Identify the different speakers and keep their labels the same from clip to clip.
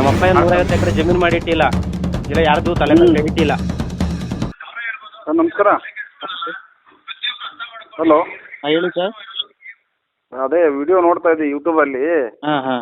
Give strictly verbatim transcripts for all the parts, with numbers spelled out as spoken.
Speaker 1: ನಮ್ಮ ಅಪ್ಪ ಏನು ನೂರೈವತ್ತು ಎಕರೆ ಜಮೀನು ಮಾಡಿ ಇಟ್ಟಿಲ್ಲ, ಇಲ್ಲ ಯಾರ್ದು ತಲೆ ಮೇಲೆ ಇಟ್ಟಿಲ್ಲ.
Speaker 2: ಸರ್ ನಮಸ್ಕಾರ. ಹಲೋ,
Speaker 1: ಹಾಂ ಹೇಳಿ ಸರ್.
Speaker 2: ಅದೇ ವಿಡಿಯೋ ನೋಡ್ತಾ ಇದ್ದೆ ಯೂಟ್ಯೂಬಲ್ಲಿ.
Speaker 1: ಹಾಂ ಹಾಂ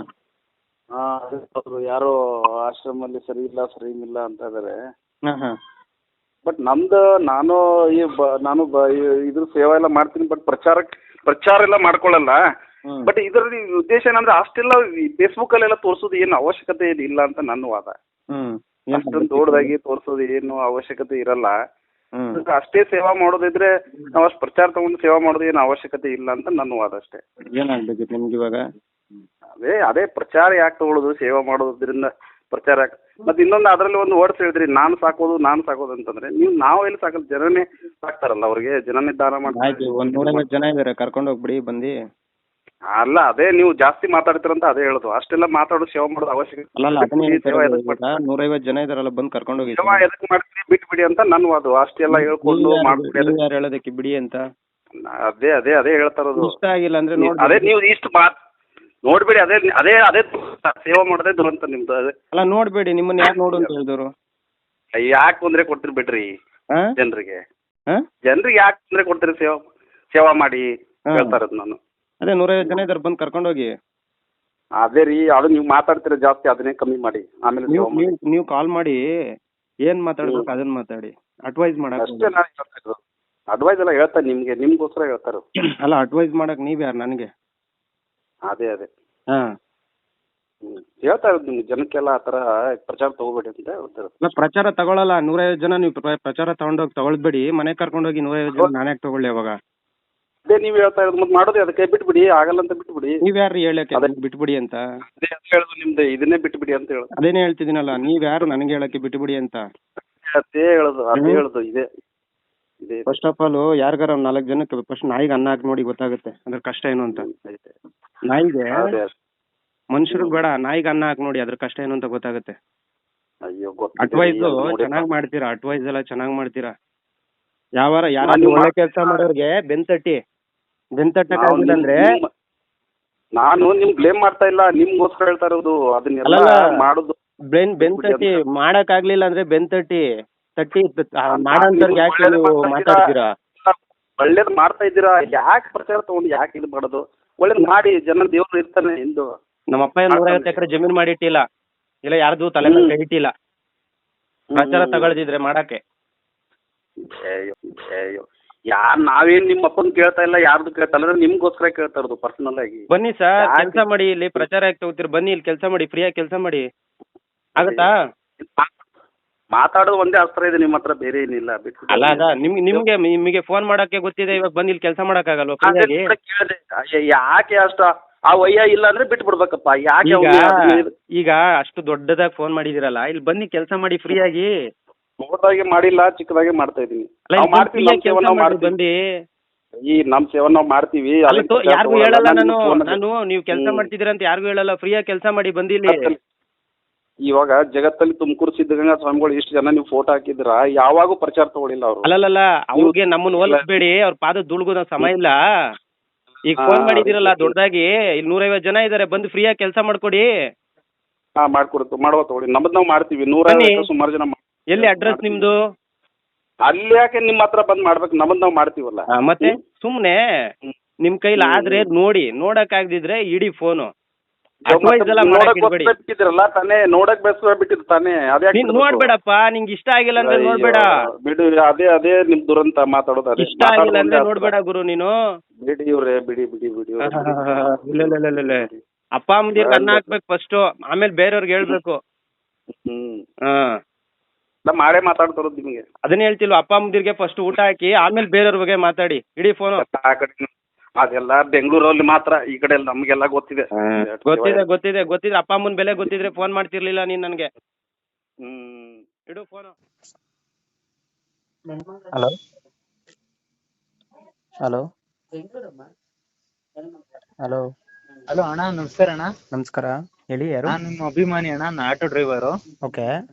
Speaker 2: ಅವರು ಯಾರೋ ಆಶ್ರಮಲ್ಲಿ ಸರಿ ಇಲ್ಲ ಸರಿ ಇಲ್ಲ ಅಂತ ಇದ್ದಾರೆ.
Speaker 1: ಹಾಂ ಹಾಂ
Speaker 2: ಬಟ್ ನಮ್ದು ನಾನು ಈ ಬ ನಾನು ಬ ಈ- ಇದ್ರ ಸೇವೆ ಎಲ್ಲ ಮಾಡ್ತೀನಿ, ಬಟ್ ಪ್ರಚಾರಕ್ಕೆ ಪ್ರಚಾರ ಎಲ್ಲ ಮಾಡ್ಕೊಳ್ಳಲ್ಲ.
Speaker 1: ಹ್ಮ್.
Speaker 2: ಬಟ್ ಇದರಲ್ಲಿ ಉದ್ದೇಶ ಏನಂದ್ರೆ ಅಷ್ಟೆಲ್ಲ ಫೇಸ್ಬುಕ್ಕಲ್ಲೆಲ್ಲ ತೋರಿಸೋದು ಏನು ಅವಶ್ಯಕತೆ ಇಲ್ಲ ಅಂತ ನನ್ನ ವಾದ.
Speaker 1: ಹ್ಞೂ
Speaker 2: ಅಷ್ಟೊಂದು ದೊಡ್ಡದಾಗಿ ತೋರಿಸೋದು ಏನು ಅವಶ್ಯಕತೆ ಇರಲ್ಲ.
Speaker 1: ಹ್ಞೂ
Speaker 2: ಅಷ್ಟೇ ಸೇವಾ ಮಾಡೋದಿದ್ರೆ ನಾವು ಅಷ್ಟು ಪ್ರಚಾರ ತಗೊಂಡು ಸೇವಾ ಮಾಡೋದು ಏನು ಅವಶ್ಯಕತೆ ಇಲ್ಲ ಅಂತ ನನ್ನ ವಾದ ಅಷ್ಟೇ.
Speaker 1: ಏನಾಗಬೇಕಿತ್ತು ನಿಮ್ಗೆ ಇವಾಗ?
Speaker 2: ಅದೇ ಅದೇ ಪ್ರಚಾರ ಯಾಕೆ ತಗೊಳ್ಳೋದು, ಸೇವಾ ಮಾಡೋದ್ರಿಂದ ಪ್ರಚಾರ ಯಾಕೆ? ಮತ್ತೆ ಇನ್ನೊಂದು ಅದರಲ್ಲಿ ಒಂದು ವರ್ಡ್ಸ್ ಹೇಳಿದ್ರಿ, ನಾನು ಸಾಕೋದು ನಾನು ಸಾಕೋದು ಅಂತಂದ್ರೆ ನೀವು ನಾವು ಎಲ್ಲಿ ಸಾಕಲ್ಲ, ಜನನೇ ಸಾಕ್ತಾರಲ್ಲ, ಅವ್ರಿಗೆ ಜನನೇ ದಾನ
Speaker 1: ಆಯ್ತು,
Speaker 2: ಮಾಡ್ತಾರೆ.
Speaker 1: ಒಂದು ನೂರೈವತ್ತು ಜನ ಇದ್ದಾರೆ, ಕರ್ಕೊಂಡು ಹೋಗ್ಬಿಡಿ ಬಂದು.
Speaker 2: ಅಲ್ಲ, ಅದೇ ನೀವು ಜಾಸ್ತಿ ಮಾತಾಡ್ತೀರಂತ ಅದೇ ಹೇಳೋದು. ಅಷ್ಟೆಲ್ಲ ಮಾತಾಡೋದು ಸೇವಾ ಮಾಡೋದು ಅವಶ್ಯಕತೆ
Speaker 1: ಅಲ್ಲಲ್ಲ ಅದನ್ನೇ
Speaker 2: ಇಲ್ಲ. ಸೇವಾ
Speaker 1: ಹೇಳ್ತಾ
Speaker 2: ಎದಕ್ಕೆ
Speaker 1: ಇರೋದು. ಈಗ ನೂರೈವತ್ತು ಜನ ಇದಾರಲ್ಲ, ಬಂದು ಕರ್ಕೊಂಡು ಹೋಗಿ.
Speaker 2: ಸೇವಾ ಎದಕ್ಕೆ ಮಾಡ್ತೀರಿ ಬಿಟ್ಬಿಡಿ ಅಂತ ನನ್ನ ವಾದು. ಅಷ್ಟೆಲ್ಲ ಹೇಳ್ಕೊಂಡು ಮಾಡ್ಬಿಡಿ
Speaker 1: ನೀವು ಯಾರು ಹೇಳೋದಕ್ಕೆ ಬಿಡಿ ಅಂತ?
Speaker 2: ಅದೇ ಅದೇ ಅದೇ ಹೇಳ್ತಾ ಇರೋದು.
Speaker 1: ಇಷ್ಟ ಆಗಿಲ್ಲ ಅಂದ್ರೆ ನೋಡಿ.
Speaker 2: ಅದೇ ನೀವು ಇಷ್ಟು ಮಾತು ನೋಡ್ಬೇಡಿ, ಅದೇ ಅದೇ ಅದೇ ಸೇವಾ ಮಾಡೋದೇ ದುರಂತ ನಿಮ್ದು. ಅದೇ
Speaker 1: ಅಲ್ಲ ನೋಡ್ಬೇಡಿ, ನಿಮ್ಮನ್ನ ಯಾರು ನೋಡು ಅಂತ ಹೇಳಿದವರು?
Speaker 2: ಯಾಕೆ ತೊಂದರೆ ಕೊಡ್ತೀರಿ ಬಿಡ್ರಿ
Speaker 1: ಹಾಂ
Speaker 2: ಜನರಿಗೆ?
Speaker 1: ಹಾಂ
Speaker 2: ಜನರಿಗೆ ಯಾಕೆ ತೊಂದರೆ ಕೊಡ್ತೀರಿ? ಸೇವಾ ಸೇವಾ ಮಾಡಿ
Speaker 1: ಹಾ.
Speaker 2: ಹೇಳ್ತಾ ಇರೋದು ನಾನು.
Speaker 1: ಅದೇ ನೂರೈವತ್ತು ಜನ ಇದ್ದಾರೆ, ಬಂದು ಕರ್ಕೊಂಡು ಹೋಗಿ.
Speaker 2: ಅದೇ ರೀ, ಅದು ನೀವು ಮಾತಾಡ್ತೀರ ಜಾಸ್ತಿ, ಅದನ್ನೇ ಕಮ್ಮಿ ಮಾಡಿ ಆಮೇಲೆ
Speaker 1: ನೀವು
Speaker 2: ಸೇವಾ ಮಾಡಿ.
Speaker 1: ನೀವು ನೀವು ಕಾಲ್ ಮಾಡಿ ಏನು ಮಾತಾಡ್ಬೇಕು ಅದನ್ನ ಮಾತಾಡಿ, ಅಡ್ವೈಸ್ ಮಾಡಕ್ಕೆ.
Speaker 2: ಅಷ್ಟೇ ನಾನು ಹೇಳ್ತಾ ಇರೋದು. ಅಡ್ವೈಸ್ ಎಲ್ಲ ಹೇಳ್ತಾರೆ ನಿಮಗೆ, ನಿಮ್ಗೋಸ್ಕರ ಹೇಳ್ತಾರೆ.
Speaker 1: ಅಲ್ಲ ಅಡ್ವೈಸ್ ಮಾಡಕ್ಕೆ ನೀವು ಯಾರು ನನಗೆ?
Speaker 2: ಅದೇ ಅದೇ
Speaker 1: ಹಾಂ
Speaker 2: ಹ್ಞೂ ಹೇಳ್ತಾ ಇರೋದು ನಿಮ್ಗೆ, ಜನಕ್ಕೆಲ್ಲ ಆ ಥರ ಪ್ರಚಾರ ತಗೋಬೇಡಿ ಅಂತ ಹೇಳ್ತಾ ಇರೋದು.
Speaker 1: ಇಲ್ಲ ಪ್ರಚಾರ ತಗೊಳ್ಳಲ್ಲ. ನೂರೈವತ್ತು ಜನ ನೀವು ಪ್ರ- ಪ್ರಚಾರ ತಗೊಂಡೋಗಿ ತಗೊಳ್ಬೇಡಿ, ಮನೆಗೆ ಕರ್ಕೊಂಡೋಗಿ ನೂರೈವತ್ತು ಜನ ನಾನು ಯಾಕೆ ತಗೊಳ್ಳಿ ಅವಾಗ?
Speaker 2: ಅದೇ ನೀವು ಹೇಳ್ತಾ ಇರೋದು, ಮತ್ತೆ ಮಾಡೋದು ಅದಕ್ಕೆ ಬಿಟ್ಬಿಡಿ, ಆಗಲ್ಲ ಅಂತ ಬಿಟ್ಬಿಡಿ.
Speaker 1: ನೀವು ಯಾರು ಹೇಳಕ್ಕೆ
Speaker 2: ಅದೇ.
Speaker 1: ಬಿಟ್ಬಿಡಿ ಅಂತ?
Speaker 2: ಅದೇ ಅದೇ ಹೇಳೋದು ನಿಮ್ದು, ಇದನ್ನೇ ಬಿಟ್ಬಿಡಿ ಅಂತ ಹೇಳೋದು.
Speaker 1: ಅದೇನೇ ಹೇಳ್ತಿದ್ದೀನಲ್ಲ, ನೀವು ಯಾರು ನನಗೆ ಹೇಳಕ್ಕೆ ಬಿಟ್ಬಿಡಿ ಅಂತ?
Speaker 2: ಅದೇ ಹೇಳೋದು ಅದೇ
Speaker 1: ಹ್ಮ್.
Speaker 2: ಹೇಳೋದು ಇದೆ ಇದೆ
Speaker 1: ಫಸ್ಟ್ ಆಫ್ ಆಲ್ ಯಾರಿಗಾರ ಒಂದು ನಾಲ್ಕು ಜನಕ್ಕೆ ಫಸ್ಟ್ ನಾಯಿಗೆ ಅನ್ನ ಹಾಕಿ ನೋಡಿ, ಗೊತ್ತಾಗುತ್ತೆ ಅದ್ರ ಕಷ್ಟ ಏನು ಅಂತ.
Speaker 2: ಇದೆ.
Speaker 1: ನಾಯಿಗೆ,
Speaker 2: ಅದೇ
Speaker 1: ಮನುಷ್ಯರಿಗೆ ಬೇಡ, ನಾಯಿಗೆ ಅನ್ನ ಹಾಕಿ ನೋಡಿ, ಅದ್ರ ಕಷ್ಟ ಏನು ಅಂತ ಗೊತ್ತಾಗುತ್ತೆ.
Speaker 2: ಅಯ್ಯೋ ಗೊತ್ತಿದೆ.
Speaker 1: ಅಡ್ವೈಸ್
Speaker 2: ಅದು ನೋಡಿ.
Speaker 1: ಚೆನ್ನಾಗಿ ಮಾಡ್ತೀರಾ, ಅಡ್ವೈಸ್ ಎಲ್ಲ ಚೆನ್ನಾಗಿ ಮಾಡ್ತೀರಾ. ಯಾವಾರ ಯಾರು
Speaker 2: ನಾನು
Speaker 1: ಒಳ್ಳೆ
Speaker 2: ಮಾಡ್-
Speaker 1: ಕೆಲಸ ಮಾಡೋರಿಗೆ ಬೆಂತಟ್ಟಿ ಬೆಂತಟ್ಟಕ್ಕಾಗಿಲ್ಲ
Speaker 2: ನಾವು
Speaker 1: ಅಂದ್ರೆ
Speaker 2: ನಿಮ್- ನಾನು ನಿಮ್ ಬ್ಲೇಮ್ ಮಾಡ್ತಾ ಇಲ್ಲ, ನಿಮ್ಗೋಸ್ಕರ ಹೇಳ್ತಾ ಇರೋದು. ಅದನ್ನೆಲ್ಲ
Speaker 1: ಅಲ್ಲಲ್ಲ.
Speaker 2: ಮಾಡೋದು
Speaker 1: ಬೆನ್ ಬೆಂತಟ್ಟಿ ಮಾಡಕ್ಕಾಗ್ಲಿಲ್ಲ ಅಂದ್ರೆ ಬೆಂತಟ್ಟಿ ತಟ್ಟಿ ತ- ಆ ಮಾಡೋಂಥವ್ರಿಗೆ ಯಾಕೆ
Speaker 2: ಒಳ್ಳೇದು
Speaker 1: ನೀವು
Speaker 2: ಮಾಡ್ತಾ ಇದ್ದೀರಾ.
Speaker 1: ಮಾತಾಡ್ತೀರಾ?
Speaker 2: ಒಳ್ಳೇದು ಮಾಡ್ತಾ ಇದ್ದೀರಾ, ಯಾಕೆ ಪ್ರಚಾರ ತಗೊಂಡು ಯಾಕೆ ಇದು ಮಾಡೋದು? ಒಳ್ಳೇದು ಮಾಡಿ, ಜನ ದೇವ್ರು ಇರ್ತಾನೆ ಎಂದು.
Speaker 1: ನಮ್ಮ ಅಪ್ಪ ಏನು ನೂರೈವತ್ತು ಎಕರೆ ಜಮೀನು ಮಾಡಿ ಇಟ್ಟಿಲ್ಲ, ಇಲ್ಲ ಯಾರ್ದು ತಲೆ ಮೇಲೆ ಕೈ ಇಟ್ಟಿಲ್ಲ. ಪ್ರಚಾರ ತಗೊಳ್ದಿದ್ರೆ ಮಾಡಕ್ಕೆ.
Speaker 2: ಅಯ್ಯೋ ಅಯ್ಯೋ ಯಾರು ನಾವೇನ್ ನಿಮ್ಮ ಅಪ್ಪನ ಕೇಳ್ತಾ ಇಲ್ಲ, ಯಾರ್ದು ಕೇಳ್ತಾ ಇಲ್ಲ, ನಿಮ್ಗೋಸ್ಕರ ಕೇಳ್ತಾ ಇರೋದು ಪರ್ಸನಲ್ ಆಗಿ.
Speaker 1: ಬನ್ನಿ ಸರ್,
Speaker 2: ಯಾಕೆ?
Speaker 1: ಕೆಲಸ ಮಾಡಿ, ಇಲ್ಲಿ ಪ್ರಚಾರ ಯಾಕೆ ತಗೋತೀರಿ? ಬನ್ನಿ ಇಲ್ಲಿ ಕೆಲಸ ಮಾಡಿ, ಫ್ರೀಯಾಗಿ ಕೆಲಸ ಮಾಡಿ, ಆಗುತ್ತಾ?
Speaker 2: ಮಾತಾಡೋದು ಒಂದೇ ಅಸ್ತ್ರ ಇದೆ ನಿಮ್ಮ ಹತ್ರ, ಬೇರೆ ಏನಿಲ್ಲ. ಬಿಟ್ಬಿಟ್ಟು
Speaker 1: ಅಲ್ಲ ಅದ ನಿಮ್ಗೆ ನಿಮ್ಗೆ ನಿಮಗೆ ಫೋನ್ ಮಾಡಕ್ಕೆ ಗೊತ್ತಿದೆ, ಇವಾಗ ಬಂದು ಇಲ್ಲಿ ಕೆಲಸ ಮಾಡಕ್ಕಾಗಲ್ವಾ
Speaker 2: ಅದೇ
Speaker 1: ಫ್ರೀಯಾಗಿ?
Speaker 2: ಕೂಡ ಕೇಳ್ದೆ. ಅಯ್ಯ, ಯಾಕೆ ಅಷ್ಟ ಆ ವಯ್ಯ ಇಲ್ಲ ಅಂದ್ರೆ ಬಿಟ್ಬಿಡ್ಬೇಕಪ್ಪ, ಯಾಕೆ
Speaker 1: ಈಗ
Speaker 2: ಅವ್ನಿಗೆ ಅದನ್ನ
Speaker 1: ಈಗ ಅಷ್ಟು ದೊಡ್ಡದಾಗಿ ಫೋನ್ ಮಾಡಿದಿರಲ್ಲ, ಇಲ್ಲಿ ಬನ್ನಿ ಕೆಲಸ ಮಾಡಿ ಫ್ರೀಯಾಗಿ.
Speaker 2: ದೊಡ್ಡದಾಗಿ ಮಾಡಿಲ್ಲ, ಚಿಕ್ಕದಾಗಿ ಮಾಡ್ತಾ ಇದೀನಿ.
Speaker 1: ಅಲ್ಲ
Speaker 2: ನಾವು
Speaker 1: ಇಲ್ಲಿ
Speaker 2: ಮಾಡ್ತೀವಿ,
Speaker 1: ಫ್ರೀಯಾಗಿ
Speaker 2: ನಮ್ಮ ಸೇವೆ
Speaker 1: ಕೆಲಸ
Speaker 2: ನಾವು
Speaker 1: ಮಾಡಿ
Speaker 2: ಮಾಡ್ತೀವಿ.
Speaker 1: ಬಂದು.
Speaker 2: ಈ ನಮ್ಮ ಸೇವೆ ನಾವು ಮಾಡ್ತೀವಿ.
Speaker 1: ಅಲ್ಲ
Speaker 2: ಅದನ್ನ
Speaker 1: ತೋ-
Speaker 2: ಪ್ರಚಾರ
Speaker 1: ಯಾರಿಗೂ
Speaker 2: ತಗೊಳಲ್ಲ,
Speaker 1: ಹೇಳಲ್ಲ ನಾನು
Speaker 2: ನಿಮ್ಗೆ phone
Speaker 1: ನಾನು ನೀವು ಕೆಲಸ
Speaker 2: ಹ್ಮ್.
Speaker 1: ಮಾಡ್ತಿದ್ದೀರ ಅಂತ ಯಾರಿಗೂ ಹೇಳಲ್ಲ, ಫ್ರೀಯಾಗಿ ಕೆಲಸ ಮಾಡಿ ಬಂದಿಲ್ಲಿ.
Speaker 2: ಜಗತ್ತಲ್ಲಿ- ಇವಾಗ ಜಗತ್ತಲ್ಲಿ ತುಮಕೂರು ಸಿದ್ಧಗಂಗಾ ಸ್ವಾಮಿಗಳು ಇಷ್ಟು ಜನ ನೀವು ಫೋಟೋ ಹಾಕಿದ್ರ, ಯಾವಾಗೂ ಪ್ರಚಾರ ತಗೊಳಿಲ್ಲ ಅವರು.
Speaker 1: ಅಲ್ಲಲ್ಲ ಅವ್ರಿಗೆ ನಮ್ಮನ್ನ ಹೋಲಿಸ್ಬೇಡಿ, ಅವ್ರ ಪಾದ ದುಳ್ಗೋ ನಾವು ಸಮಯ ಇಲ್ಲ. ಈಗ
Speaker 2: ಹಾ,
Speaker 1: ಫೋನ್ ಮಾಡಿದಿರಲ್ಲ
Speaker 2: ಅದೇ.
Speaker 1: ದೊಡ್ಡದಾಗಿ, ಇಲ್ಲಿ ನೂರೈವತ್ತು ಜನ ಇದ್ದಾರೆ, ಬಂದು ಫ್ರೀಯಾಗಿ ಕೆಲಸ ಮಾಡ್ಕೊಡಿ.
Speaker 2: ಹಾ ಮಾಡ್ಕೊಡ್ತು ಮಾಡುವ ತಗೊಳ್ಳಿ, ನಮ್ಮದ್ ನಾವು ಮಾಡ್ತೀವಿ. ನೂರ
Speaker 1: ಬನ್ನಿ.
Speaker 2: ಸುಮಾರು ಜನ ಮಾಡ್-
Speaker 1: ಎಲ್ಲಿ ಅಡ್ರೆಸ್ ನಿಮ್ದು?
Speaker 2: ಅಲ್ಲಿ ಯಾಕೆ ನಿಮ್ಮ ಹತ್ರ ಬಂದ್ ಮಾಡ್ಬೇಕು, ನಮ್ಮದ್ ನಾವು ಮಾಡ್ತೀವಲ್ಲ.
Speaker 1: ಆ, ಮತ್ತೆ ಸುಮ್ನೆ
Speaker 2: ಹ್ಮ್.
Speaker 1: ನಿಮ್ ಕೈಲಿ ಆದ್ರೆ ನೋಡಿ, ನೋಡಕ್ ಆಗದಿದ್ರೆ ಇಡೀ ಫೋನು. ಅಡ್ವೈಸ್ ಎಲ್ಲ ಮಾಡಕ್
Speaker 2: ನೋಡಕ್
Speaker 1: ಇಡ್ಬೇಡಿ.
Speaker 2: ಬಿಟ್ಟಿದ್ರಲ್ಲ ತಾನೇ, ನೋಡಕ್ ಬೇಸರ ಬಿಟ್ಟಿದ್ರು ತಾನೇ, ಅದೇ
Speaker 1: ನೀನ್ ನೋಡ್ಬೇಡಪ್ಪ, ನಿಂಗೆ ಇಷ್ಟ ಆಗಿಲ್ಲ ಅಂದ್ರೆ ನೋಡ್ಬೇಡ.
Speaker 2: ಬಿಡು, ಅದೇ ಅದೇ ನಿಮ್ ದುರಂತ ಮಾತಾಡೋದು. ಅದೇ
Speaker 1: ಇಷ್ಟ ಆಗಿಲ್ಲ ಅಂದ್ರೆ ನೋಡ್ಬೇಡ ಗುರು ನೀನು.
Speaker 2: ಬಿಡಿ ಇವ್ರೆ, ಬಿಡಿ ಬಿಡಿ ಬಿಡಿ ಇವ್ರೆ, ಬಿಡಿ.
Speaker 1: ಇಲ್ಲ ಇಲ್ಲ ಇಲ್ಲ ಇಲ್ಲ. ಅಪ್ಪ ಅಮ್ಮದಿರ್ಗೆ ಅನ್ನ ಹಾಕ್ಬೇಕು ಫಸ್ಟ್, ಆಮೇಲೆ ಬೇರೆಯವ್ರಿಗೆ ಹೇಳ್ಬೇಕು.
Speaker 2: ಹ್ಮ್
Speaker 1: ಹಾ
Speaker 2: ನಾ ಮಾಡೇ ಮಾತಾಡ್ತಾರೋದು ನಿಮಗೆ.
Speaker 1: ಅದನ್ನ ಹೇಳ್ತಿಲ್ವ, ಅಪ್ಪ ಅಮ್ಮದಿರ್ಗೆ ಫಸ್ಟ್ ಊಟ ಹಾಕಿ ಆಮೇಲೆ ಬೇರೆಯವ್ರ ಬಗ್ಗೆ ಮಾತಾಡಿ, ಇಡೀ ಫೋನು.
Speaker 2: ಆ ಕಡೆ ಅದೆಲ್ಲ ಬೆಂಗಳೂರಲ್ಲಿ ಮಾತ್ರ, ಈ ಕಡೆ ಎಲ್ಲ ನಮಗೆಲ್ಲ ಗೊತ್ತಿದೆ.
Speaker 1: ಗೊತ್ತಿದೆ ಗೊತ್ತಿದೆ ಗೊತ್ತಿದೆ, ಅಪ್ಪ ಅಮ್ಮನ ಬೆಲೆ ಗೊತ್ತಿದ್ರೆ ಫೋನ್ ಮಾಡ್ತಿರ್ಲಿಲ್ಲ ನೀನ್ ನನಗೆ.
Speaker 2: ಹ್ಮ್
Speaker 1: ಇಡು phone.
Speaker 3: Hello hello hello
Speaker 4: hello ಅಣ್ಣ, ನಮಸ್ಕಾರ ಅಣ್ಣ.
Speaker 3: ನಮಸ್ಕಾರ, ಹೇಳಿ ಯಾರು?
Speaker 4: ನಾನು ನಿಮ್ಮ ಅಭಿಮಾನಿ ಅಣ್ಣ, ನಾನು ಆಟೋ ಡ್ರೈವರು.
Speaker 3: ಓಕೆ.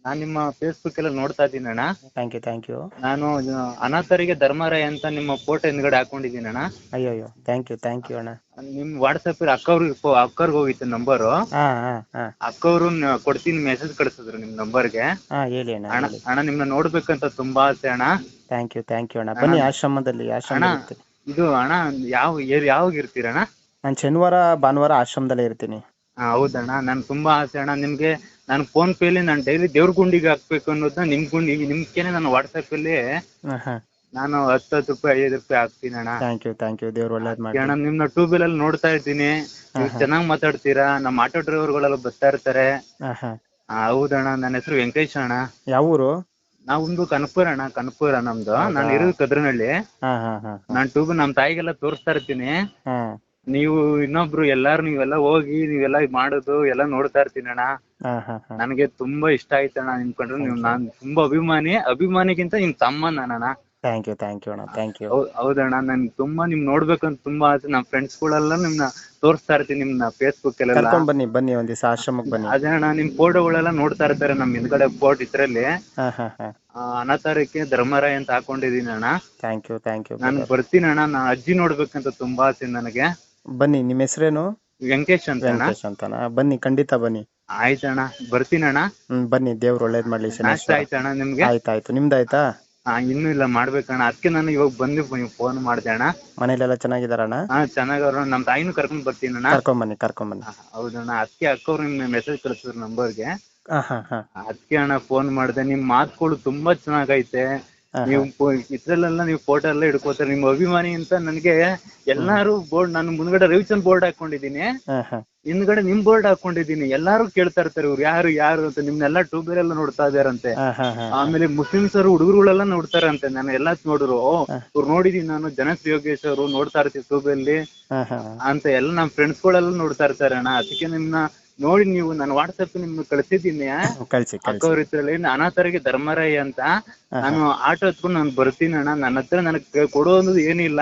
Speaker 3: ನಾನ್ ನಿಮ್ಮ ಫೇಸ್ಬುಕ್ ಎಲ್ಲ ನೋಡ್ತಾ ಇದ್ದೀನಿ ಅಣ್ಣ.
Speaker 1: Thank you thank you.
Speaker 3: ನಾನು ಆ, ಅನಾಥರಿಗೆ ಧರ್ಮರಾಯ ಅಂತ ನಿಮ್ಮ ಫೋಟೋ ಹಿಂದ್ಗಡೆ ಹಾಕೊಂಡಿದ್ದೀನಿ ಅಣ್ಣ.
Speaker 1: ಅಯ್ಯೋ ಅಯ್ಯೋ ಥ್ಯಾಂಕ್ ಯು ಥ್ಯಾಂಕ್ ಯು ಅಣ್ಣ.
Speaker 3: ನಿಮ್ ವಾಟ್ಸಪ್ ಅಕ್ಕವ್ರಿಗೆ ಅಕ್ಕವ್ರಿಗೆ ಹೋಗಿತ್ತು ನಂಬರು.
Speaker 1: ಹಾ ಹಾ ಹಾ
Speaker 3: ಅಕ್ಕವ್ರು ನ- ಕೊಡ್ತೀನಿ ಮೆಸೇಜ್ ಕಳಿಸಿದ್ರು ನಿಮ್ ನಂಬರ್ಗೆ.
Speaker 1: ಹಾ ಹೇಳಿ ಅಣ್ಣ
Speaker 3: ಅಣ್ಣ
Speaker 1: ಹೇಳಿ.
Speaker 3: ಅಣ್ಣ ನಿಮ್ನ ನೋಡ್ಬೇಕಂತ ತುಂಬಾ ಆಸೆ ಅಣ್ಣ.
Speaker 1: ಥ್ಯಾಂಕ್ ಯು ಥ್ಯಾಂಕ್ ಯು ಅಣ್ಣ. ಬನ್ನಿ ಆಶ್ರಮದಲ್ಲಿ ಆಶ್ರಮ
Speaker 3: ಅಣ್ಣ
Speaker 1: ಇರ್ತೀನಿ.
Speaker 3: ಇದು ಅಣ್ಣ ಯಾವ ಏರ್- ಯಾವಾಗ ಇರ್ತೀರಣ್ಣ?
Speaker 1: ನಾನು ಶನಿವಾರ ಭಾನುವಾರ ಆಶ್ರಮದಲ್ಲೇ ಇರ್ತೀನಿ.
Speaker 3: ಹಾ ಹೌದಣ್ಣ, ನನ್ ತುಂಬಾ ಆಸೆ ಅಣ್ಣ. ನಿಮ್ಗೆ ನಾನು ಫೋನ್ ಪೇಲಿ ನಾನು ಡೈಲಿ ದೇವ್ರ ಗುಂಡಿಗೆ ಹಾಕ್ಬೇಕು ಅನ್ನೋದನ್ನ ನಿಮ್ ಗುಂಡಿ ನಿಮ್ಗೇನೆ ನಾನು ವಾಟ್ಸಪ್ ಅಲ್ಲಿ
Speaker 1: ಹಾ ಹಾ
Speaker 3: ನಾನು ಹತ್ತು ಹತ್ತು ರೂಪಾಯಿ ಐದು ರೂಪಾಯಿ ಹಾಕ್ತೀನಿ ಅಣ್ಣ.
Speaker 1: Thank you thank you. ದೇವ್ರು ಒಳ್ಳೇದ್ ಮಾಡಿ.
Speaker 3: ಅಣ್ಣ ನಿಮ್ನ ಟ್ಯೂಬ್ ಅಲ್ಲಿ ನೋಡ್ತಾ ಇದ್ದೀನಿ, ನೀವು ಚೆನ್ನಾಗಿ ಮಾತಾಡ್ತೀರಾ. ನಮ್ಮ ಆಟೋ ಡ್ರೈವರ್ಗಳೆಲ್ಲ ಬರ್ತಾ ಇರ್ತಾರೆ.
Speaker 1: ಹಾ ಹಾ
Speaker 3: ಆ, ಹೌದಣ್ಣ, ನನ್ನ ಹೆಸರು ವೆಂಕಟೇಶ್ ಅಣ್ಣ.
Speaker 1: ಯಾವ ಊರು?
Speaker 3: ನಾವೊಂದು ಕನಕಪುರ ಅಣ್ಣ, ಕನಕಪುರ ನಮ್ದು. ನಾನು ಇರೋದು ಕದ್ರನಹಳ್ಳಿ.
Speaker 1: ಹಾ ಹಾ ಹಾ
Speaker 3: ನಾನ್ ಟ್ಯೂಬ್ ನಮ್ ತಾಯಿಗೆಲ್ಲ ತೋರಿಸ್ತಾ ಇರ್ತೀನಿ.
Speaker 1: ಹಾ
Speaker 3: ನೀವು ಇನ್ನೊಬ್ರು ಎಲ್ಲಾರು ನೀವೆಲ್ಲ ಹೋಗಿ ನೀವೆಲ್ಲ ಮಾಡೋದು ಎಲ್ಲ ನೋಡ್ತಾ ಇರ್ತೀನಿ ಅಣ್ಣ.
Speaker 1: ಹಾ ಹಾ ಹಾ
Speaker 3: ನನಗೆ ತುಂಬಾ ಇಷ್ಟ ಆಯ್ತಣ್ಣ ನಿಮ್ ಕಂಡ್ರೆ. ನೀವು ನಾನ್ ತುಂಬಾ ಅಭಿಮಾನಿ, ಅಭಿಮಾನಿಗಿಂತ ನಿಮ್ ತಮ್ಮ ನಾನಣ್ಣ.
Speaker 1: ಥ್ಯಾಂಕ್ ಯು ಥ್ಯಾಂಕ್ ಯು ಅಣ್ಣ ಥ್ಯಾಂಕ್ ಯು.
Speaker 3: ಹೌ- ಹೌದಣ್ಣ, ನನ್ ತುಂಬಾ ನಿಮ್ ನೋಡ್ಬೇಕಂತ ತುಂಬಾ ಆಸೆ. ನಮ್ ಫ್ರೆಂಡ್ಸ್ ಗಳೆಲ್ಲ ನಿಮ್ನ ತೋರಿಸ್ತಾ ಇರ್ತೀನಿ ನಿಮ್ನ ಫೇಸ್ಬುಕ್ ಅಲ್ಲೆಲ್ಲ.
Speaker 1: ಕರ್ಕೊಂಡ್ ಬನ್ನಿ ಬನ್ನಿ ಒಂದ್ ದಿವಸ ಆಶ್ರಮಕ್ಕೆ ಬನ್ನಿ.
Speaker 3: ಅದೇ ಅಣ್ಣ, ನಿಮ್ ಫೋಟೋಗಳೆಲ್ಲ ನೋಡ್ತಾ ಇರ್ತಾರೆ ನಮ್ ಹಿಂದ್ಗಡೆ ಫೋಟೋ ಇದ್ರಲ್ಲಿ.
Speaker 1: ಹಾ ಹಾ ಹಾ
Speaker 3: ಆ, ಅನಾಥಾರಕ್ಕೆ ಧರ್ಮರಾಯ ಅಂತ ಹಾಕೊಂಡಿದೀನಿ ಅಣ್ಣ.
Speaker 1: Thank you thank you.
Speaker 3: ನಾನು ಬರ್ತೀನಿ ಅಣ್ಣ. ನಾ ಅಜ್ಜಿ ನೋಡ್ಬೇಕಂತ ತುಂಬಾ ಆಸೆ ನನಗೆ.
Speaker 1: ಬನ್ನಿ. ನಿಮ್ಮ ಹೆಸರೇನು?
Speaker 3: ವೆಂಕಟೇಶ್ ಅಂತ ಅಣ್ಣ.
Speaker 1: ವೆಂಕಟೇಶ್ ಅಂತನಾ? ಬನ್ನಿ ಖಂಡಿತ ಬನ್ನಿ.
Speaker 3: ಆಯ್ತಣ್ಣ, ಬರ್ತೀನಿ ಅಣ್ಣ.
Speaker 1: ಹ್ಮ್ ಬನ್ನಿ. ದೇವ್ರು ಒಳ್ಳೇದ್ ಮಾಡ್ಲಿ
Speaker 3: ನಾಷ್ಟ
Speaker 1: ಶನೇಶ್ವರ.
Speaker 3: ಆಯ್ತಣ್ಣ ನಿಮ್ಗೆ?
Speaker 1: ಆಯ್ತಾಯ್ತು. ನಿಮ್ದಾಯ್ತಾ?
Speaker 3: ಹಾ ಇನ್ನೂ ಇಲ್ಲ, ಮಾಡ್ಬೇಕಣ್ಣ. ಅದಕ್ಕೆ ನಾನು ಇವಾಗ ಬಂದು ಫೋನ್ ಮಾಡ್ದೆ ಅಣ್ಣ.
Speaker 1: ಮನೇಲೆಲ್ಲ ಚೆನ್ನಾಗಿದಾರಣ್ಣ?
Speaker 3: ಹಾ ಚೆನ್ನಾಗವ್ರ. ನಮ್ ತಾಯಿನೂ ಕರ್ಕೊಂಡ್ ಬರ್ತೀನಿ ಅಣ್ಣ.
Speaker 1: ಕರ್ಕೊಂಡ್ ಬನ್ನಿ ಕರ್ಕೊಂಡ್ ಬನ್ನಿ.
Speaker 3: ಹಾ, ಹೌದಣ್ಣ. ಅದಕ್ಕೆ ಅಕ್ಕವ್ರು ನಿಮ್ಗೆ ಮೆಸೇಜ್ ಕಳಿಸಿದ್ರು ನಂಬರ್ಗೆ.
Speaker 1: ಹಾ ಹಾ ಹಾ
Speaker 3: ಅದಕ್ಕೆ ಅಣ್ಣ ಫೋನ್ ಮಾಡ್ದೆ. ನಿಮ್ ಮಾತುಗಳು ತುಂಬಾ ಚೆನ್ನಾಗೈತೆ.
Speaker 1: ಹಾ,
Speaker 3: ನೀವು ಇದ್ರಲ್ಲೆಲ್ಲ ನೀವು ಫೋಟೋ ಎಲ್ಲ ಹಿಡ್ಕೋತಾರೆ. ನಿಮ್ಮ ಅಭಿಮಾನಿ ಅಂತ ನನಗೆ ಎಲ್ಲಾರು ಬೋರ್ಡ್, ನಾನು ಮುಂದ್ಗಡೆ ರವಿಚಂದ್ ಬೋರ್ಡ್ ಹಾಕೊಂಡಿದೀನಿ,
Speaker 1: ಹಾ ಹಾ
Speaker 3: ಹಿಂದ್ಗಡೆ ನಿಮ್ ಬೋರ್ಡ್ ಹಾಕೊಂಡಿದೀನಿ. ಎಲ್ಲಾರು ಕೇಳ್ತಾ ಇರ್ತಾರೆ ಇವ್ರು ಯಾರು ಯಾರು ಅಂತ. ನಿಮ್ನೆಲ್ಲ ಟ್ಯೂಬರ್ ಎಲ್ಲ ನೋಡ್ತಾ ಇದಾರಂತೆ.
Speaker 1: ಹಾ ಹಾ ಹಾ
Speaker 3: ಆಮೇಲೆ ಮುಸ್ಲಿಮ್ಸ್ ಅವರು ಹುಡುಗರುಗಳೆಲ್ಲ ನೋಡ್ತಾರಂತೆ. ನಾನು ಎಲ್ಲ ನೋಡಿದ್ರು, ಓ ಇವ್ರು ನೋಡಿದೀನಿ ನಾನು, ಜನಶ್ರೀ ಯೋಗೇಶ್ ಅವರು ನೋಡ್ತಾ ಇರ್ತೀವಿ ಟ್ಯೂಬ್ ಅಲ್ಲಿ
Speaker 1: ಹಾ ಹಾ
Speaker 3: ಅಂತ ಎಲ್ಲ ನಮ್ಮ ಫ್ರೆಂಡ್ಸ್ ಗಳೆಲ್ಲ ನೋಡ್ತಾ ಇರ್ತಾರೆ ಅಣ್ಣ. ಅದಕ್ಕೆ ನಿಮ್ನ ನೋಡಿ ನೀವು ನಾನು ವಾಟ್ಸಪ್ ನಿಮ್ಗೆ ಕಳ್ಸಿದ್ದೀನಿ.
Speaker 1: ಕಳ್ಸಿ ಕಳ್ಸಿ.
Speaker 3: ಅಕ್ಕವ್ರ ಇದ್ರಲ್ಲಿ ಅನಾಥರಿಗೆ ಧರ್ಮರಾಯ ಅಂತ. ನಾನು ಆಟೋ ಹತ್ಕೊಂಡು ನಾನು ಬರ್ತೀನಿ ಅಣ್ಣ. ನನ್ನ ಹತ್ರ ನನಗೆ ಕೊಡೋದು ಏನಿಲ್ಲ.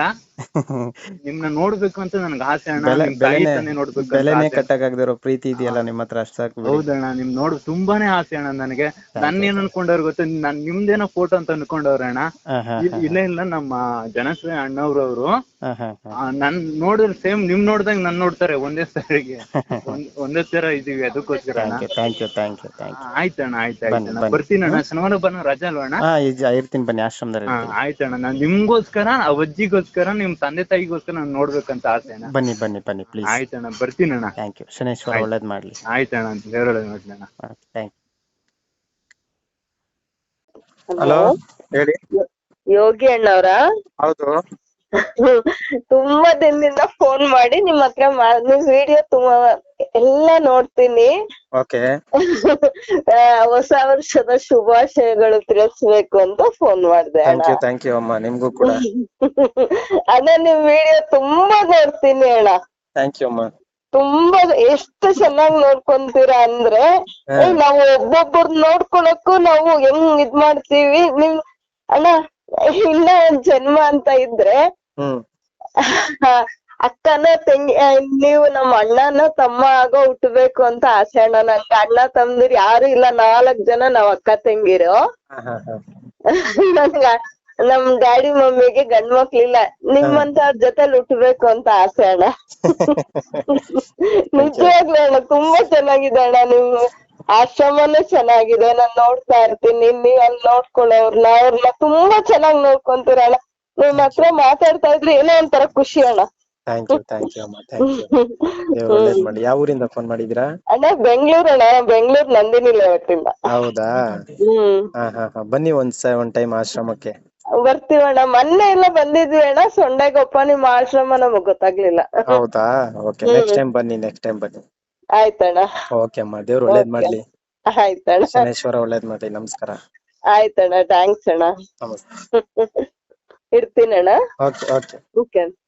Speaker 3: ನಿಮ್ನ ನೋಡ್ಬೇಕು ಅಂತ ನನ್ಗೆ ಆಸೆ ಅಣ್ಣ.
Speaker 1: ಬೆಲೆ-
Speaker 3: ನಿಮ್ ತಾಯಿ
Speaker 1: ಬೆಲೆನೇ
Speaker 3: ತಾನೇ ನೋಡ್ಬೇಕು ಅಂತ
Speaker 1: ಬೆಲೆನೇ
Speaker 3: ಆಸೆ.
Speaker 1: ಕಟ್ಟಕ್ಕಾಗದಿರೋ ಪ್ರೀತಿ ಇದೆಯಲ್ಲ ನಿಮ್ಮ ಹತ್ರ, ಅಷ್ಟ್ ಸಾಕು ಬಿಡಿ.
Speaker 3: ಹೌದಣ್ಣ, ನಿಮ್ ನೋಡ್ ತುಂಬಾನೇ ಆಸೆ ಅಣ್ಣ ನನಗೆ. ನನ್ನ ಏನ್ ಅನ್ಕೊಂಡವ್ರು ಗೊತ್ತ, ನಾನ್ ನಿಮ್ದೇನೋ ಫೋಟೋ ಅಂತ ಅನ್ಕೊಂಡವ್ರೆ ಅಣ್ಣ.
Speaker 1: ಹಾ ಹಾ
Speaker 3: ಇ- ಇಲ್ಲ ಇಲ್ಲ, ನಮ್ಮ ಜನಶ್ರೀ ಅಣ್ಣವ್ರವ್ರು
Speaker 1: ಹಾ ಹಾ ಹಾ
Speaker 3: ನನ್ ನೋಡಿದ್ರೆ ಸೇಮ್ ನಿಮ್ ನೋಡ್ದಂಗ್ ನನ್ ನೋಡ್ತಾರೆ ಒಂದೇ ಸರಿಗೆ. ಒಂದ್- ಒಂದೇ ತರ ಇದೀವಿ, ಅದಕ್ಕೋಸ್ಕರ ಅಣ್ಣ.
Speaker 1: Thank you thank you thank you.
Speaker 3: ಆಯ್ತಣ್ಣ, ಆಯ್ತು
Speaker 1: ಬನ್ನಿ,
Speaker 3: ಆಯ್ತಣ್ಣ,
Speaker 1: ಬನ್ನಿ.
Speaker 3: ಬರ್ತೀನಿ ಅಣ್ಣ. ಶನಿವಾರ ಬನ್ನ ರಜಾ ಅಲ್ವಾ ಅಣ್ಣ?
Speaker 1: ಹಾ ಈಜ ಇರ್ತೀನಿ ಬನ್ನಿ. ಆಶ್ರಮದಲ್ಲಿ
Speaker 3: ಹಾ
Speaker 1: ಇರ್ತೀನಿ.
Speaker 3: ಆಯ್ತಣ್ಣ. ನಾನ್ ನಿಮ್ಗೋಸ್ಕರ, ಆ ಅಜ್ಜಿಗೋಸ್ಕರ, ನಿಮ್ ತಂದೆ ತಾಯಿಗೋಸ್ಕರ ನಾನು ನೋಡ್ಬೇಕಂತ ಆಸೆ ಅಣ್ಣ.
Speaker 1: ಬನ್ನಿ ಬನ್ನಿ ಬನ್ನಿ ಪ್ಲೀಸ್.
Speaker 3: ಆಯ್ತಣ್ಣ, ಬರ್ತೀನಿ ಅಣ್ಣ.
Speaker 1: Thank you. ಶನೇಶ್ವರ ಒಳ್ಳೇದ್ ಮಾಡ್ಲಿ.
Speaker 3: ಆಯ್ತಣ್ಣ, ದೇವರೊಳಗೆ ನೋಡ್ಲಿ ಅಣ್ಣ.
Speaker 1: Thank you.
Speaker 4: ಹಲೋ,
Speaker 1: ಹೇಳಿ.
Speaker 4: ಯೋಗಿ ಅಣ್ಣವ್ರ?
Speaker 1: ಹೌದು.
Speaker 4: ತುಂಬಾ ದಿನದಿಂದ ಫೋನ್ ಮಾಡಿ ನಿಮ್ ಹತ್ರ ಮಾ- ನಿಮ್ ವಿಡಿಯೋ ತುಂಬಾ ಎಲ್ಲ ನೋಡ್ತೀನಿ.
Speaker 1: ಓಕೆ.
Speaker 4: ಆ, ಹೊಸ ವರ್ಷದ ಶುಭಾಶಯಗಳು ತಿಳಿಸ್ಬೇಕು ಅಂತ ಫೋನ್ ಮಾಡ್ದೆ ಅಣ್ಣ.
Speaker 1: ಥ್ಯಾಂಕ್ ಯು ಥ್ಯಾಂಕ್ ಯು ಅಮ್ಮ, ನಿಮ್ಗೂ ಕೂಡ.
Speaker 4: ಅಣ್ಣ ನಿಮ್ ವಿಡಿಯೋ ತುಂಬಾ ನೋಡ್ತೀನಿ ಅಣ್ಣ.
Speaker 1: ಥ್ಯಾಂಕ್ ಯು ಅಮ್ಮ.
Speaker 4: ತುಂಬಾ ಎಷ್ಟು ಚೆನ್ನಾಗ್ ನೋಡ್ಕೊಂತೀರಾ ಅಂದ್ರೆ,
Speaker 1: ಹಾ.
Speaker 4: ಏ, ನಾವು ಒಬ್ಬೊಬ್ಬರ್ ನೋಡ್ಕೊಳಕ್ಕೂ ನಾವು ಹೆಂಗ್ ಇದ್ ಮಾಡ್ತೀವಿ. ನಿಮ್ ಅಣ್ಣ ಇನ್ನ ಒಂದ್ ಜನ್ಮ ಅಂತ ಇದ್ರೆ
Speaker 1: ಹ್ಮ್
Speaker 4: ಅಕ್ಕನ ತಂಗಿ, ಆ, ನೀವು ನಮ್ಮ ಅಣ್ಣನ ತಮ್ಮ ಆಗೋ ಹುಟ್ಟಬೇಕು ಅಂತ ಆಸೆ ಅಣ್ಣ. ನನ್ಗೆ ಅಣ್ಣ ತಮ್ಮದಿರ್ ಯಾರು ಇಲ್ಲ, ನಾಲ್ಕ್ ಜನ ನಾವ್ ಅಕ್ಕ ತಂಗಿರು.
Speaker 1: ಹಾ ಹಾ ಹಾ
Speaker 4: ನನ್ಗ ನಮ್ ಡ್ಯಾಡಿ ಮಮ್ಮಿಗೆ ಗಂಡ್ ಮಕ್ಳಿಲ್ಲ, ನಿಮ್ಮಂತವ್ರ ಜೊತೆಲಿ ಹುಟ್ಟಬೇಕು ಅಂತ ಆಸೆ ಅಣ್ಣ. ನಿಜವಾಗ್ಲೂ ಅಣ್ಣ ತುಂಬಾ ಚೆನ್ನಾಗಿದೆ ಅಣ್ಣ. ನಿಮ್ ಆಶ್ರಮನೂ ಚೆನ್ನಾಗಿದೆ, ನಾನ್ ನೋಡ್ತಾ ಇರ್ತೀನಿ. ನೀವ್ ಅಲ್ಲಿ ನೋಡ್ಕೊಳ್ಳೋರ್ನ ಅವ್ರನ್ನ ತುಂಬಾ ಚೆನ್ನಾಗ್ ನೋಡ್ಕೊಂತೀರ ಅಣ್ಣ. ನಿಮ್ ಹತ್ರ ಮಾತಾಡ್ತಾ ಇದ್ರೆ ಏನೋ ಒಂಥರ ಖುಷಿ ಅಣ್ಣ.
Speaker 1: ಥ್ಯಾಂಕ್ ಯು ಥ್ಯಾಂಕ್ ಯು ಅಮ್ಮ, ಥ್ಯಾಂಕ್ ಯು. ದೇವ್ರು ಒಳ್ಳೇದ್ ಮಾಡಿ. ಯಾವ ಊರಿಂದ ಫೋನ್ ಮಾಡಿದೀರಾ?
Speaker 4: ಅಣ್ಣ ಬೆಂಗ್ಳೂರ್ ಅಣ್ಣ, ಬೆಂಗ್ಳೂರ್ ನಂದಿನಿ ಲೇಔಟಿಂದ.
Speaker 1: ಹೌದಾ?
Speaker 4: ಹ್ಮ್
Speaker 1: ಹಾ ಹಾ ಹಾ ಬನ್ನಿ ಒಂದ್ ಸ ಒಂದ್ ಟೈಮ್ ಆಶ್ರಮಕ್ಕೆ.
Speaker 4: ಬರ್ತೀವಣ್ಣ. ಮೊನ್ನೆ ಎಲ್ಲ ಬಂದಿದ್ವಿ ಅಣ್ಣ ಸೊಂಡೆಗೊಪ್ಪ, ನಿಮ್ ಆಶ್ರಮ ನಮಗ್ ಗೊತ್ತಾಗ್ಲಿಲ್ಲ.
Speaker 1: ಹೌದಾ? ಓಕೆ, ನೆಕ್ಸ್ಟ್ ಟೈಮ್ ಬನ್ನಿ, ನೆಕ್ಸ್ಟ್ ಟೈಮ್ ಬನ್ನಿ.
Speaker 4: ಆಯ್ತಣ್ಣ.
Speaker 1: ಓಕೆ ಅಮ್ಮ, ದೇವ್ರು ಒಳ್ಳೇದ್ ಮಾಡ್ಲಿ.
Speaker 4: ಆಯ್ತಣ್ಣ.
Speaker 1: ಶನೇಶ್ವರ ಒಳ್ಳೇದ್ ಮಾಡ್ಲಿ. ನಮಸ್ಕಾರ.
Speaker 4: ಆಯ್ತಣ್ಣ, ಥ್ಯಾಂಕ್ಸ್ ಅಣ್ಣ.
Speaker 1: ನಮಸ್ತೆ.
Speaker 4: ಇಡ್ತೀನಣ್ಣ.
Speaker 1: Okay okay.
Speaker 4: ಓಕೆ.